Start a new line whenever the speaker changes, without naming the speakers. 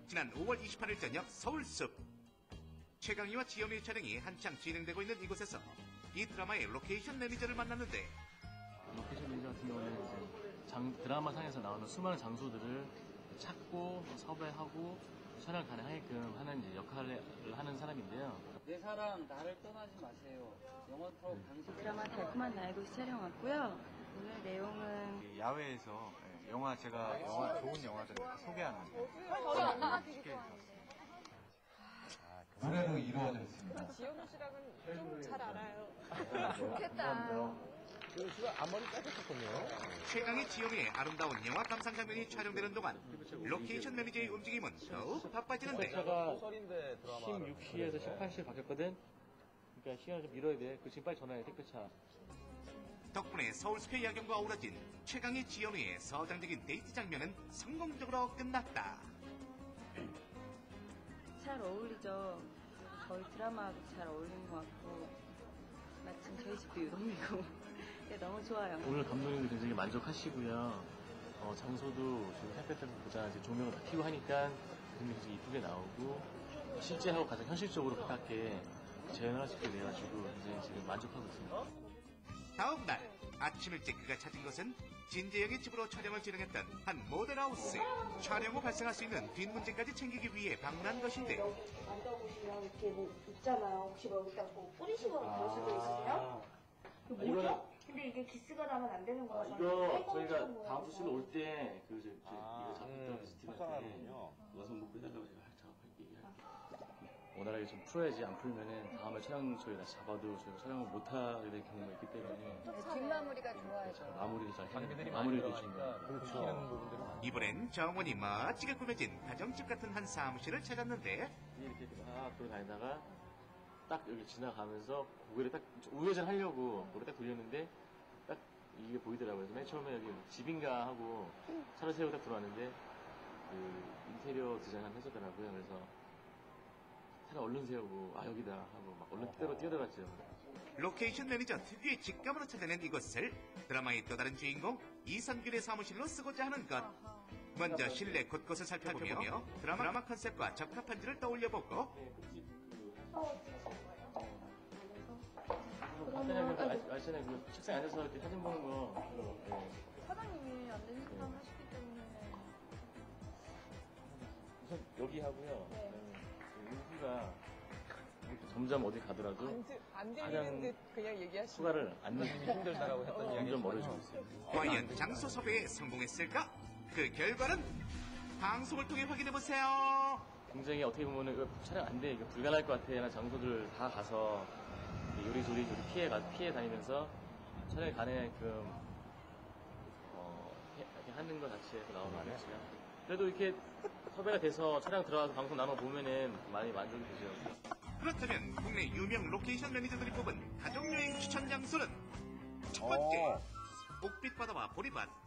지난 5월 28일 저녁 서울숲. 최강희와 지연의 촬영이 한창 진행되고 있는 이곳에서 이 드라마의 로케이션 매니저를 만났는데,
로케이션 매니저 같은 경우는 이제 드라마상에서 나오는 수많은 장소들을 찾고 섭외하고 촬영 가능하게끔 하는 이제 역할을 하는 사람인데요.
내 사랑 나를 떠나지 마세요. 영화 프로 방송
드라마 달콤한 나의 도시 촬영 왔고요. 오늘 내용은
야외에서 제가 좋은 영화들 소개하는
저도 안나 되게 좋아하는데.
노래로 이루어져 있습니다.
지현우 씨랑은 좀 잘 알아요. 좋겠다.
최강희 지연의 아름다운 영화 감상 장면이 촬영되는 동안 로케이션 매니저의 움직임은 더욱 바빠지는데,
차가 16시에서 18시에 바뀌었거든. 그러니까 시간을 좀 미뤄야 돼. 그 지금 빨리 전화해, 택배차.
덕분에 서울숲의 야경과 어우러진 최강희 지연의 서장적인 데이트 장면은 성공적으로 끝났다.
잘 어울리죠. 저희 드라마도 잘 어울리는 것 같고 마침 저희 집도 유동이고 네, 너무 좋아요.
오늘 감독님도 굉장히 만족하시고요. 장소도 지금 햇볕에서 보자 이제 조명을 다 켜고 하니까 굉장히 이쁘게 나오고 실제하고 가장 현실적으로 가깝게 재현을 할 수 있게 돼가지고 굉장히 지금 만족하고 있습니다.
다음 날 아침 일찍 그가 찾은 것은 진재영의 집으로 촬영을 진행했던 한 모델하우스. 촬영 후 발생할 수 있는 뒷문제까지 챙기기 위해 방문한 것인데,
만져보시면 이렇게 뭐 있잖아요. 혹시 뭐 여기다 뭐 뿌리시거나 그럴 수도 있으세요? 이거 뭐죠? 근데 이게 기스가 나면 안 되는 거라서
이거 저희가 다음 주 실로 올 때 이거 작업했던 스팀한테 와서 뭐 그냥 작업할게. 원활하게 좀 풀어야지. 안 풀면은 다음에 촬영 저희가 잡아도 저희가 촬영을 못 하게 될 경우가 있기 때문에
뒷마무리가 좋아야죠.
마무리를 잘 해야 마무리를 해주니까.
이번엔 정원이 멋지게 꾸며진 가정집 같은 한 사무실을 찾았는데,
이렇게 막 돌아다니다가 딱 여기 지나가면서 고개를 딱 우회전 하려고 고개를 딱 돌렸는데 딱 이게 보이더라고요. 그래서 맨 처음에 여기 집인가 하고 차를 세우고 딱 들어왔는데 그 인테리어 디자인 한번 해줬더라고요. 그래서 차를 얼른 세우고 여기다 하고 막 얼른 그대로 뛰어들어갔죠.
로케이션 매니저 특유의 직감으로 찾아낸 이곳을 드라마의 또 다른 주인공 이선균의 사무실로 쓰고자 하는 것. 먼저 실내 곳곳을 살펴보며 드라마 컨셉과 적합한지를 떠올려보고,
아시잖아요. 그 책상에 앉아서 이렇게 사진 보는 거.
사장님이 안 되는 사람 하시기 때문에.
우선 여기 하고요.
네.
여기가 점점 어디 가더라도
안 들리는 듯 그냥 얘기하시는.
휴가를 안 내기 힘들다라고 했던 이야기 점점 멀어지고 있어요.
과연 장소 섭외에 성공했을까? 그 결과는 방송을 통해 확인해보세요.
굉장히 어떻게 보면은 이거 촬영 안 돼, 이거 불가능할 것 같아 하는 장소들을 다 가서 요리조리 피해 다니면서 촬영이 가능하게끔 이렇게 하는 것 자체에서 나오는 거겠지요. 그래도 이렇게 섭외가 돼서 촬영 들어가서 방송 나눠 보면은 많이 만족이 되죠.
그렇다면 국내 유명 로케이션 매니저들이 뽑은 가족여행 추천 장소는 첫 번째, 옥빛바다와 보리밭